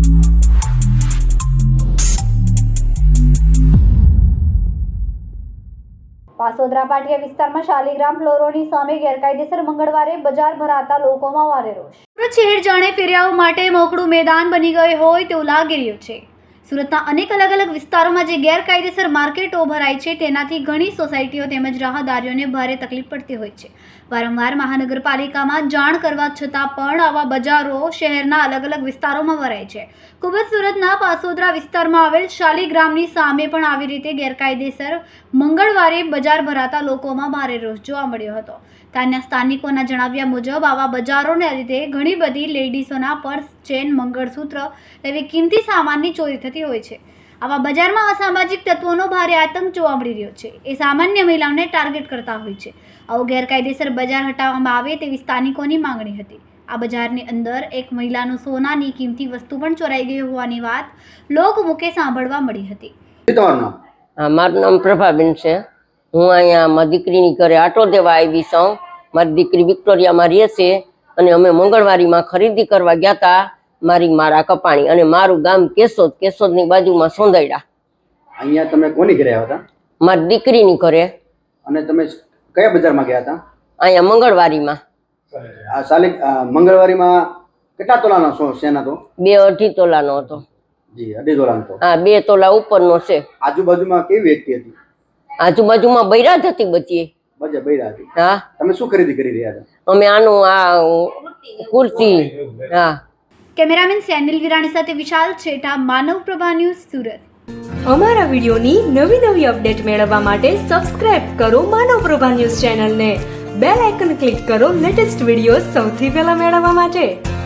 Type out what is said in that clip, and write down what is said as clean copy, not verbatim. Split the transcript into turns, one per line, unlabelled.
પાસોદરા પાટિયા વિસ્તારમાં શાલિગ્રામ ફ્લોરોની સામે ગેરકાયદેસર મંગળવારે બજાર ભરાતા લોકોમાં ભારે રોષ. સુરત શહેર જાણે ફેરિયાઓ માટે મોકળું મેદાન બની ગયું હોય તેવું લાગી રહ્યું છે. સુરતના અનેક અલગ અલગ વિસ્તારોમાં જે ગેરકાયદેસર માર્કેટો ભરાય છે તેનાથી ઘણી સોસાયટીઓ તેમજ રાહદારીઓને ભારે તકલીફ પડતી હોય છે. વારંવાર મહાનગરપાલિકામાં જાણ કરવા છતાં પણ આવા બજારો શહેરના અલગ અલગ વિસ્તારોમાં ભરાય છે. ખૂબ જ સુરતના પાસોદરા વિસ્તારમાં આવેલ શાલિગ્રામની સામે પણ આવી રીતે ગેરકાયદેસર મંગળવારે બજાર ભરાતા લોકોમાં ભારે રોષ જોવા મળ્યો હતો. ત્યાંના સ્થાનિકોના જણાવ્યા મુજબ આવા બજારોને લીધે ઘણી બધી લેડીઝોના પર્સ, ચેન, મંગળસૂત્ર એવી કિંમતી સામાનની ચોરી થતી હોય છે. આવા બજારમાં અસામાજિક તત્વોનો ભારે આતંક જોવા મળી રહ્યો છે. એ સામાન્ય મહિલાઓને ટાર્ગેટ કરતા હોય છે. આવું ગેરકાયદેસર બજાર હટાવવામાં આવે તેવી સ્થાનિકોની માંગણી હતી. આ બજારની અંદર એક મહિલાનું સોનાની કિંમતી વસ્તુ પણ ચોરાઈ ગઈ હોવાની વાત લોકમુખે સાંભળવા મળી હતી.
મારું નામ પ્રભાબેન છે. હું અહીંયા મારી દીકરીની ઘરે આટો દેવા આવી છું. મારી દીકરી વિક્ટોરિયામાં રહે છે અને અમે મંગળવારીમાં ખરીદી કરવા ગયા હતા. મારા કપાણી અને મારું ગામ કેશોદની બાજુમાં સોંદૈડા.
અહીંયા તમે કોની ઘરે આવ્યા હતા?
મારી દીકરીની ઘરે.
અને તમે કયા બજારમાં ગયા હતા?
અહીંયા મંગળવારીમાં.
મંગળવારીમાં કેટલા તોલાનો છે? તો
2-2.5 તોલાનો હતો.
જી, 2.5 તોલાનો હતો.
હા, 2 તોલા ઉપરનો છે.
આજુબાજુમાં કેવી વ્યક્તિ હતી?
આજુબાજુમાં બૈરાજ હતી બચી.
બૈરા હતી.
હા.
તમે શું ખરીદી કરી રહ્યા હતા?
અમે આ કુર્તી. હા.
કેમેરામેન સેનિલ વિરાણી સાથે વિશાલ છેઠા, માનવ પ્રભા ન્યૂઝ, સુરત.
અમારા વિડીયોની નવી અપડેટ મેળવવા માટે સબસ્ક્રાઇબ કરો માનવ પ્રભા ન્યૂઝ ચેનલને. બેલ આઇકન ક્લિક કરો લેટેસ્ટ વિડીયો સૌથી પહેલા મેળવવા માટે.